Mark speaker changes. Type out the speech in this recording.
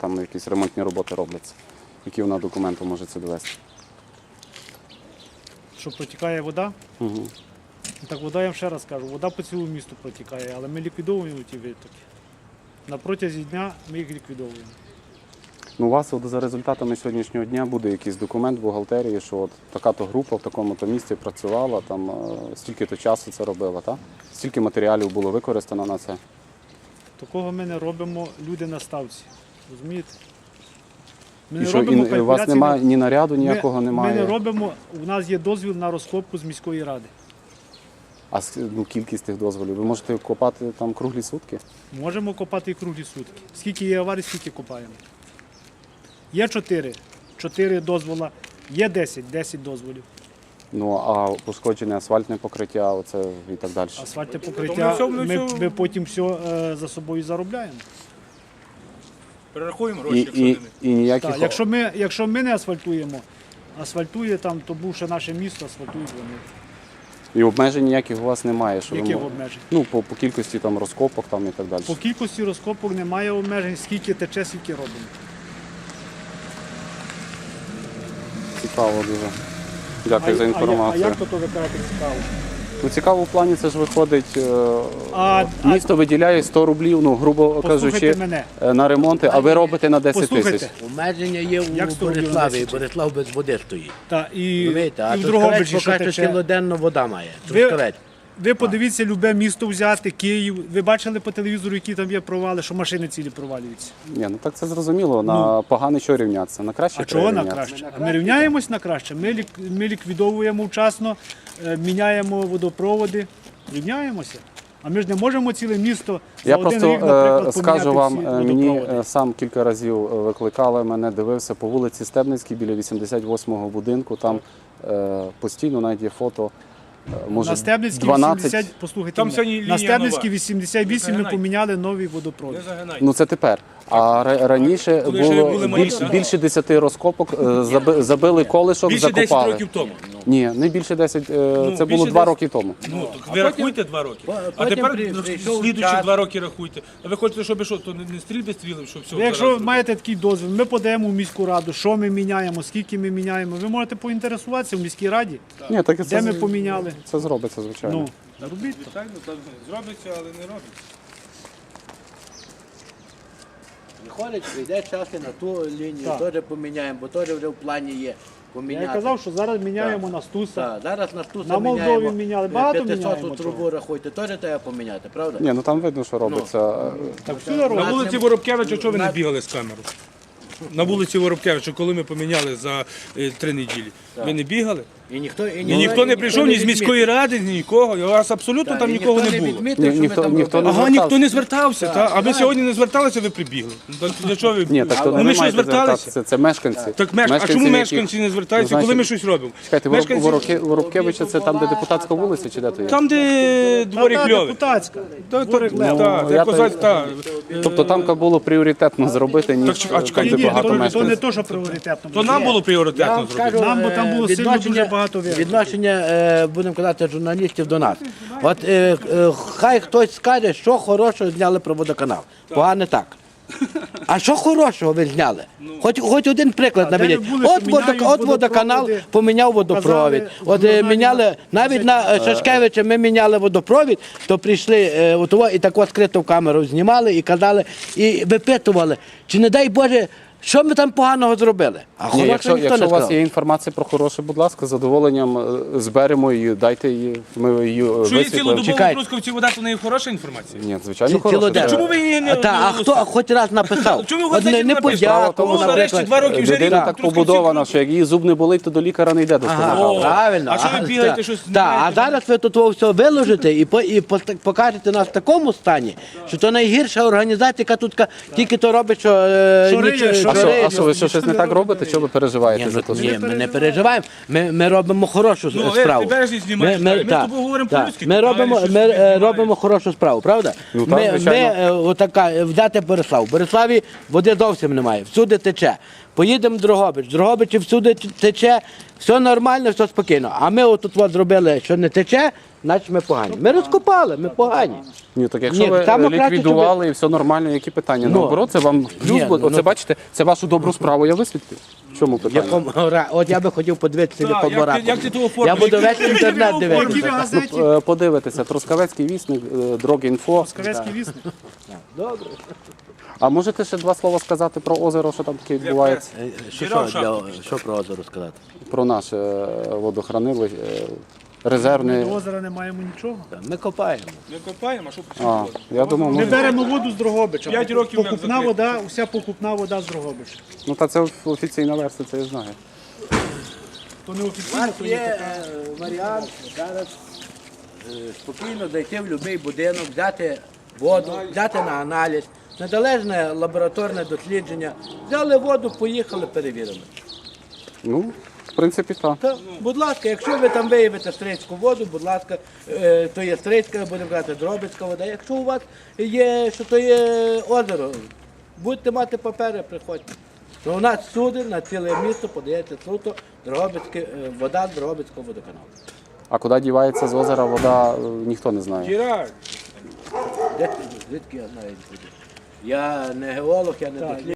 Speaker 1: там якісь ремонтні роботи робляться. Які вона документи може це довести?
Speaker 2: Що протікає вода?
Speaker 1: Угу.
Speaker 2: Так вода, я вам ще раз кажу, вода по цілому місту протікає, але ми ліквідовуємо ті витоки. На протязі дня ми їх ліквідовуємо.
Speaker 1: Ну, у вас от за результатами сьогоднішнього дня буде якийсь документ в бухгалтерії, що от така-то група в такому-то місці працювала, там стільки-то часу це робила, так? Стільки матеріалів було використано на це?
Speaker 2: Такого ми не робимо, люди на ставці. Розумієте? Ми
Speaker 1: І що, і у вас немає ні наряду, ніякого немає?
Speaker 2: Ми не робимо, у нас є дозвіл на розкопку з міської ради.
Speaker 1: А кількість тих дозволів? Ви можете копати там круглі сутки?
Speaker 2: Можемо копати і круглі сутки. Скільки є аварій, скільки копаємо. Є 4 дозвола, є 10 дозволів.
Speaker 1: Ну, а пошкоджене асфальтне покриття, оце і так далі?
Speaker 2: Асфальтне покриття, ми потім все за собою заробляємо.
Speaker 3: Перерахуємо гроші,
Speaker 1: і ніяких...
Speaker 2: Так, якщо ми не асфальтуємо, асфальтує там, то бувше наше місто, асфальтують вони.
Speaker 1: І обмежень ніяких у вас немає? Що
Speaker 2: Яких обмежень?
Speaker 1: Ну, по кількості там розкопок там і так далі.
Speaker 2: По кількості розкопок немає обмежень, скільки тече, скільки робимо.
Speaker 1: Цікаво дуже. Дякую за інформацію.
Speaker 2: А як то ви кажете цікаво?
Speaker 1: Ну, цікаво в плані, це ж виходить, місто виділяє 100 рублів, ну, грубо кажучи, на ремонти, а ви робите на 10 тисяч.
Speaker 4: Обмеження є у Бориславі, Борислав без води стоїть.
Speaker 2: Так, і
Speaker 4: А
Speaker 2: в Дрогобичі, що
Speaker 4: покаже,
Speaker 2: тече.
Speaker 4: кілоденно вода має.
Speaker 2: Ви подивіться, любе місто взяти, Київ. Ви бачили по телевізору, які там є провали, що машини цілі провалюються?
Speaker 1: Ні, ну так це зрозуміло, на погане що рівнятися, на краще
Speaker 2: А
Speaker 1: треба
Speaker 2: чого на
Speaker 1: рівнятися.
Speaker 2: краще? Ми рівняємось на краще, ми ліквідовуємо вчасно, міняємо водопроводи, рівняємося. А ми ж не можемо ціле місто за
Speaker 1: Я
Speaker 2: один
Speaker 1: просто
Speaker 2: рік, наприклад,
Speaker 1: скажу вам,
Speaker 2: поміняти всі
Speaker 1: мені
Speaker 2: водопроводи.
Speaker 1: сам кілька разів викликали мене, дивився по вулиці Стебницькій біля 88-го будинку, там постійно навіть є фото. Може,
Speaker 2: На Стебницькій
Speaker 1: 12...
Speaker 2: 80, послухайте,
Speaker 3: Там
Speaker 2: мене,
Speaker 3: сьогодні лінія
Speaker 2: на Стебницькій
Speaker 3: нова.
Speaker 2: 88 ми
Speaker 3: Загинай.
Speaker 2: поміняли новий водопровід.
Speaker 3: Не загинай.
Speaker 1: Ну це тепер. А раніше
Speaker 3: Коли ще
Speaker 1: було
Speaker 3: були малі, так?
Speaker 1: більше 10 розкопок, забили колишок,
Speaker 3: Більше 10
Speaker 1: закопали.
Speaker 3: років тому.
Speaker 1: Ні, не більше 10, це
Speaker 3: більше
Speaker 1: було 2
Speaker 3: 10.
Speaker 1: роки тому.
Speaker 3: Ну, так ви рахуйте 2 роки. А тепер слідуючі 2 роки рахуйте. А ви хочете, щоб що, то не стрільби стрілив, щоб все.
Speaker 2: Ви якщо маєте такий дозвіл, ми подаємо в міську раду, що ми міняємо, скільки ми міняємо. Ви можете поінтересуватися в міській раді,
Speaker 1: Ні, так і
Speaker 2: де ми поміняли.
Speaker 1: Це зробиться, звичайно.
Speaker 2: Ну, робіть.
Speaker 3: Звичайно, так зробиться, але не робиться.
Speaker 4: Виходить, прийде час і на ту лінію,
Speaker 2: Так.
Speaker 4: теж поміняємо, бо теж вже в плані є.
Speaker 2: Я
Speaker 4: Поміняти.
Speaker 2: казав, що зараз міняємо на Стуса.
Speaker 4: Так, зараз на Стуса
Speaker 2: На Молдові
Speaker 4: міняємо.
Speaker 2: міняли, багато
Speaker 4: 500
Speaker 2: міняємо
Speaker 4: трубу
Speaker 2: чого.
Speaker 4: рахуйте, теж треба поміняти, правда?
Speaker 1: Ні, ну там видно, що робиться.
Speaker 2: Так всюди
Speaker 3: На
Speaker 2: робимо.
Speaker 3: вулиці Воробкевича, чого ви не бігали з камерою? На вулиці Воробкевича, коли ми поміняли за 3 неділі, ви не бігали?
Speaker 4: І
Speaker 3: Ніхто не прийшов ні з міської ради, ні нікого. У вас абсолютно там нікого не було.
Speaker 1: Ніхто не
Speaker 3: Ага,
Speaker 1: звертався.
Speaker 3: ніхто не звертався. Та? А ви сьогодні не зверталися, ви прибігли. Ну, то для чого ви?
Speaker 1: Ні, так то
Speaker 3: Ну,
Speaker 1: не
Speaker 3: ми що,
Speaker 1: маєте
Speaker 3: зверталися?
Speaker 1: звертатися, це мешканці.
Speaker 3: Так, а чому мешканці не звертаються, коли ми щось робимо?
Speaker 1: Чекайте,
Speaker 3: Мешканці-
Speaker 1: Воробкевича це там, де депутатська вулиця, чи де то є?
Speaker 3: Там, де дворі
Speaker 2: Та,
Speaker 3: кльові.
Speaker 2: депутатська.
Speaker 3: Так,
Speaker 1: я
Speaker 3: як
Speaker 1: то-
Speaker 3: козаць, так.
Speaker 1: Тобто там було пріоритетно зробити, ніж
Speaker 3: а чекайте,
Speaker 1: там, де
Speaker 2: Ні,
Speaker 1: багато
Speaker 2: то не
Speaker 1: мешканців.
Speaker 2: то, що пріоритетно.
Speaker 3: То нам було пріоритетно зробити.
Speaker 2: Нам, бо там було сильно дуже багато вірусів.
Speaker 4: Відношення, будемо казати, журналістів до нас. От хай хтось скаже, що хорошого зняли про водоканал. Погано так. А що хорошого ви зняли? Хоч один приклад
Speaker 2: де ви
Speaker 4: наведіть.
Speaker 2: були, що міняють
Speaker 4: От водоканал
Speaker 2: водопроводи,
Speaker 4: поміняв водопровід. От міняли, навіть на Шашкевича ми міняли водопровід, то прийшли і так скрито в камеру знімали і казали, і випитували, чи не дай Боже, що ми там поганого зробили? А
Speaker 1: Ні,
Speaker 4: хорошого
Speaker 1: якщо
Speaker 4: ніхто не
Speaker 1: у вас
Speaker 4: сказав.
Speaker 1: є інформація про хороше, будь ласка, з задоволенням зберемо її, дайте її, ми її
Speaker 3: Що є
Speaker 1: висвітлимо.
Speaker 3: цілодобово
Speaker 4: Чекайте.
Speaker 3: в Трускавці вода, то не є хороша інформація?
Speaker 1: Ні, звичайно,
Speaker 4: Цілоденно.
Speaker 1: хороше.
Speaker 3: Чому ви її не
Speaker 4: А хто хоч раз написав?
Speaker 3: Чому ви
Speaker 4: От
Speaker 3: газеті
Speaker 4: не
Speaker 3: написали?
Speaker 4: подякував,
Speaker 3: Ну, нарешті
Speaker 4: наприклад.
Speaker 3: 2 роки вже
Speaker 1: Людина
Speaker 3: рік
Speaker 1: так
Speaker 3: Трускавці
Speaker 1: побудована,
Speaker 3: крутять.
Speaker 1: що як її зуб не болить, то до лікаря не йде до стоматолога.
Speaker 4: Правильно.
Speaker 3: А що ви бігаєте,
Speaker 4: так,
Speaker 3: щось
Speaker 4: так,
Speaker 3: знаєте?
Speaker 4: а зараз ви тут все виложите і покажете нас в такому стані, що то найгірша організація, яка тут тільки то робить, що
Speaker 2: риє, що
Speaker 1: А що, ви щось не так робите? Що ви переживаєте за те?
Speaker 4: Ні, ми не переживаємо. Ми робимо хорошу
Speaker 3: Ну,
Speaker 4: справу.
Speaker 3: ти бережні знімаєш, ми з
Speaker 4: так,
Speaker 3: тобою говоримо
Speaker 4: так.
Speaker 3: по-людськи,
Speaker 4: Ми
Speaker 3: ти
Speaker 4: робимо,
Speaker 3: маєш щось
Speaker 4: ми
Speaker 3: знімаєш.
Speaker 4: робимо хорошу справу, правда?
Speaker 1: Ну, так,
Speaker 4: Ми
Speaker 1: звичайно.
Speaker 4: отака, взяти Борислав. В Бориславі води зовсім немає, всюди тече. Поїдемо в Дрогобич. В Дрогобичі всюди тече, все нормально, все спокійно. А ми отут зробили, що не тече, значить ми погані. Ми розкопали, ми погані.
Speaker 1: Ні, так якщо
Speaker 4: Ні,
Speaker 1: ви
Speaker 4: там краще,
Speaker 1: ліквідували і все нормально, які питання?
Speaker 4: Ну.
Speaker 1: Наоборот, це вам плюс,
Speaker 4: Ні,
Speaker 1: бо
Speaker 4: ну,
Speaker 1: оце
Speaker 4: ну.
Speaker 1: бачите, це вашу добру справу я висвітлив. В чому питання?
Speaker 4: От я би хотів подивитися
Speaker 3: Так,
Speaker 4: по
Speaker 3: як
Speaker 4: дворах.
Speaker 3: ти- як ти того
Speaker 4: Я
Speaker 3: оформиш?
Speaker 4: буду
Speaker 3: Які-
Speaker 4: весь
Speaker 3: які
Speaker 4: інтернет
Speaker 3: ви
Speaker 2: Які ви
Speaker 4: дивитися.
Speaker 2: газеті?
Speaker 1: Подивитися, Трускавецький вісник, Дрогінфо.
Speaker 2: Скавецький вісник.
Speaker 4: Добре.
Speaker 1: А можете ще два слова сказати про озеро, що там таке відбувається?
Speaker 4: Що про озеро сказати?
Speaker 1: Про наше водохранилище, резервне.
Speaker 2: До озера не маємо нічого.
Speaker 4: Ми копаємо.
Speaker 3: Ми копаємо, а що
Speaker 1: А,
Speaker 3: почали?
Speaker 1: я думав,
Speaker 2: Ми
Speaker 1: може.
Speaker 2: беремо воду з Дрогобича.
Speaker 3: 5 років як
Speaker 2: Покупна
Speaker 3: закрито.
Speaker 2: вода, вся покупна вода з Дрогобича.
Speaker 1: Ну та це офіційна версія, це я знаю.
Speaker 2: То не
Speaker 4: У
Speaker 2: офіційно,
Speaker 4: нас
Speaker 2: то є
Speaker 4: є
Speaker 2: така.
Speaker 4: варіант зараз спокійно зайти в будь-який будинок, взяти воду, взяти на аналіз, незалежне лабораторне дослідження. Взяли воду, поїхали, перевірили.
Speaker 1: Ну, в принципі, так.
Speaker 4: Та, будь ласка, якщо ви там виявите стрийську воду, будь ласка, то є стрийська, будемо казати, Дробицька вода. Якщо у вас є, що то є озеро, будете мати папери, приходьте. Ну, у нас всюди, на ціле місто подається суто вода з Дрогобицького водоканалу.
Speaker 1: А куди дівається з озера вода, ніхто не знає.
Speaker 3: Тіраж.
Speaker 4: Звідки я знаю? Я не геолог, я не дослідник.